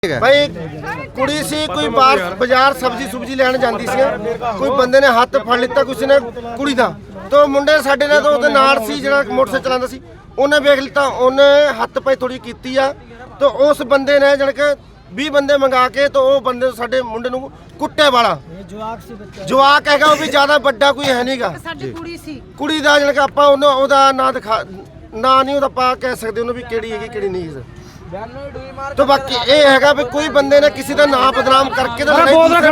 भाई कुड़ी सी कोई बाजार सब्जी सुब्जी लैन जाती सी, कोई बंदे ने हथ फड़ लिता किसी ने कुड़ी का, तो मुंडे साडे ने तो नाल सी जिहड़ा मोटरसाइकिल चलांदा सी, उन्हें वेख लिता, उन्हें हथ पाई थोड़ी कीती आ, तो उस बंदे ने जाने के 20 बंदे मंगा के तो वो बंदे साडे मुंडे नूं कुट्टे वाला जवाक हैगा, वो भी ज्यादा बड़ा कोई है नहींगा। कुड़ी दा जाने के आपां ओहदा ना दिखा ना नहीं ओहदा पा कह सकदे उन्होंने भी किहड़ी हैगी किहड़ी नहीं है। तो बाकी ये है भी कोई बंदे ने किसी का नाम बदनाम करके तो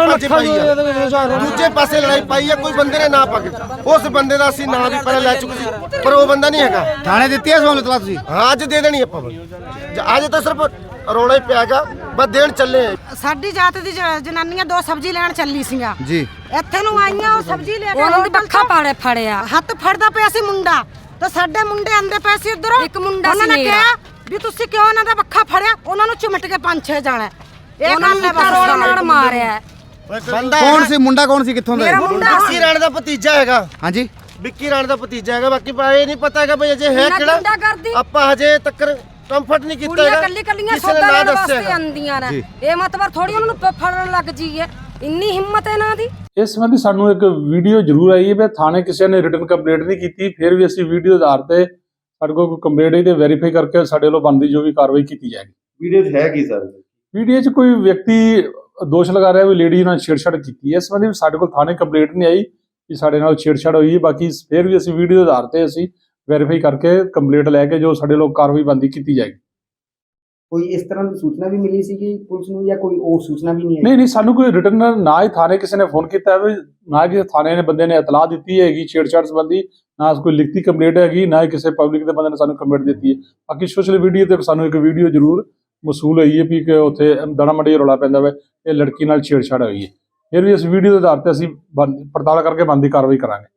दूजे पासे लड़ाई पाई है, कोई बंदे ने ना पाके उस बंदे का असं नाम भी पहले लै चुके सी, पर वो बंदा नहीं है। थाने दी है सहूलत तुसीं? हाँ अज दे देनी आपां, अज तो सिर्फ रौला ही पियागा, बस देन चले। साडी जात दी जनानियां दो सब्जी लैन चली सीगा जी, ਇੱਥੇ ਨੂੰ ਆਈਆਂ ਉਹ ਸਬਜ਼ੀ ਲੈ ਕੇ ਉਹਨਾਂ ਦੀ ਬੱਖਾ ਪਾੜੇ ਫੜਿਆ, ਹੱਥ ਫੜਦਾ ਪਿਆ ਸੀ ਮੁੰਡਾ, ਤਾਂ ਸਾਡੇ ਮੁੰਡੇ ਆਂਦੇ ਪਏ ਸੀ ਉਧਰੋਂ, ਇੱਕ ਮੁੰਡਾ ਸੀ ਮੇਰਾ ਵੀ ਤੁਸੀਂ ਕਿਉਂ ਇਹਨਾਂ ਦਾ ਬੱਖਾ ਫੜਿਆ, ਉਹਨਾਂ ਨੂੰ ਚਿਮਟ ਕੇ 5-6 ਜਾਣਾ ਇਹ ਗੱਲ ਨੇ ਬਸ ਰੋਲ ਨਾਲ ਮਾਰਿਆ। ਬੰਦਾ ਕੌਣ ਸੀ ਮੁੰਡਾ, ਕੌਣ ਸੀ, ਕਿੱਥੋਂ ਦਾ? ਮੇਰਾ ਮੁੰਡਾ ਵਿੱਕੀ ਰਾਣ ਦਾ ਭਤੀਜਾ ਹੈਗਾ। ਹਾਂਜੀ, ਵਿੱਕੀ ਰਾਣ ਦਾ ਭਤੀਜਾ ਹੈਗਾ, ਬਾਕੀ ਇਹ ਨਹੀਂ ਪਤਾ ਹੈਗਾ ਬਈ ਅਜੇ ਹੈ ਕਿਹੜਾ, ਆਪਾਂ ਹਜੇ ਤੱਕ ਕੰਫਰਟ ਨਹੀਂ ਕੀਤਾ ਹੈਗਾ। ਕੱਲੀ ਕੱਲੀਆਂ ਸੌਦਾ ਲੈਣ ਵਾਸਤੇ ਆਂਦੀਆਂ ਨੇ, ਇਹ ਮਤਲਬ ਥੋੜੀ ਉਹਨਾਂ ਨੂੰ ਫੜਨ ਲੱਗ ਜੀਏ, ਇੰਨੀ ਹਿੰਮਤ ਹੈ ਇਹਨਾਂ ਦੀ। ਇਸ ਸੰਬੰਧੀ ਸਾਨੂੰ ਇੱਕ ਵੀਡੀਓ ਜ਼ਰੂਰ ਆਈ ਹੈ ਵੀ ਥਾਣੇ ਕਿਸੇ ਨੇ ਰਿਟਨ ਕੰਪਲੇਂਟ ਨਹੀਂ ਕੀਤੀ, ਫਿਰ ਵੀ ਅਸੀਂ ਵੀਡੀਓ ਦੇ ਆਧਾਰ ਤੇ ਸਾਡੇ ਕੋਲ ਕੋਈ ਕੰਪਲੇਂਟ ਹੈ ਤੇ ਵੈਰੀਫਾਈ ਕਰਕੇ ਸਾਡੇ ਵੱਲੋਂ ਬਣਦੀ ਜੋ ਵੀ ਕਾਰਵਾਈ ਕੀਤੀ ਜਾਏਗੀ। ਵੀਡੀਓ 'ਚ ਹੈ ਕੀ ਸਰ? ਵੀਡੀਓ 'ਚ ਕੋਈ ਵਿਅਕਤੀ ਦੋਸ਼ ਲਗਾ ਰਿਹਾ ਵੀ ਲੇਡੀ ਨਾਲ ਛੇੜਛਾੜ ਕੀਤੀ ਹੈ, ਇਸ ਸੰਬੰਧੀ ਸਾਡੇ ਕੋਲ ਥਾਣੇ ਕੰਪਲੇਂਟ ਨਹੀਂ ਆਈ ਕਿ ਸਾਡੇ ਨਾਲ ਛੇੜਛਾੜ ਹੋਈ ਹੈ। ਬਾਕੀ ਫਿਰ ਵੀ ਅਸੀਂ ਵੀਡੀਓ ਦੇ ਆਧਾਰ ਤੇ ਅਸੀਂ ਵੈਰੀਫਾਈ ਕਰਕੇ ਕੰਪਲੇਂਟ ਲੈ ਕੇ ਜੋ ਸਾਡੇ ਵੱਲੋਂ ਕਾਰਵਾਈ ਬਣਦੀ ਕੀਤੀ ਜਾਏਗੀ। ਕੋਈ ਇਸ ਤਰ੍ਹਾਂ ਦੀ ਸੂਚਨਾ ਵੀ ਮਿਲੀ ਸੀ ਕਿ ਪੁਲਿਸ ਨੂੰ, ਜਾਂ ਕੋਈ ਉਹ ਸੂਚਨਾ ਵੀ ਨਹੀਂ? ਨਹੀਂ, ਸਾਨੂੰ ਕੋਈ ਰਿਟਰਨ ਨਾ ਹੀ ਥਾਣੇ ਕਿਸੇ ਨੇ ਫੋਨ ਕੀਤਾ ਹੈ, ਨਾ ਕਿਸੇ ਥਾਣੇ ਨੇ ਬੰਦੇ ਨੇ ਇਤਲਾਹ ਦਿੱਤੀ ਹੈਗੀ ਛੇੜਛਾੜ ਸੰਬੰਧੀ, ਨਾ ਕੋਈ ਲਿਖਤੀ ਕੰਪਲੇਂਟ ਹੈਗੀ, ਨਾ ਹੀ ਕਿਸੇ ਪਬਲਿਕ ਦੇ ਬੰਦੇ ਨੇ ਸਾਨੂੰ ਕੰਪਲੇਂਟ ਦਿੱਤੀ ਹੈ। ਬਾਕੀ ਸੋਸ਼ਲ ਮੀਡੀਆ ਤੇ ਸਾਨੂੰ ਇੱਕ ਵੀਡੀਓ ਜ਼ਰੂਰ ਮਸੂਲ ਹੋਈ ਹੈ ਵੀ ਕਿ ਉੱਥੇ ਦਾਣਾ ਮੰਡੀ ਰੌਲਾ ਪੈਂਦਾ ਵਾ, ਇਹ ਲੜਕੀ ਨਾਲ ਛੇੜਛਾੜ ਹੋਈ ਹੈ। ਫਿਰ ਵੀ ਇਸ ਵੀਡੀਓ ਦੇ ਆਧਾਰ ਤੇ ਅਸੀਂ ਪੜਤਾਲ ਕਰਕੇ ਬਣਦੀ ਕਾਰਵਾਈ ਕਰਾਂਗੇ।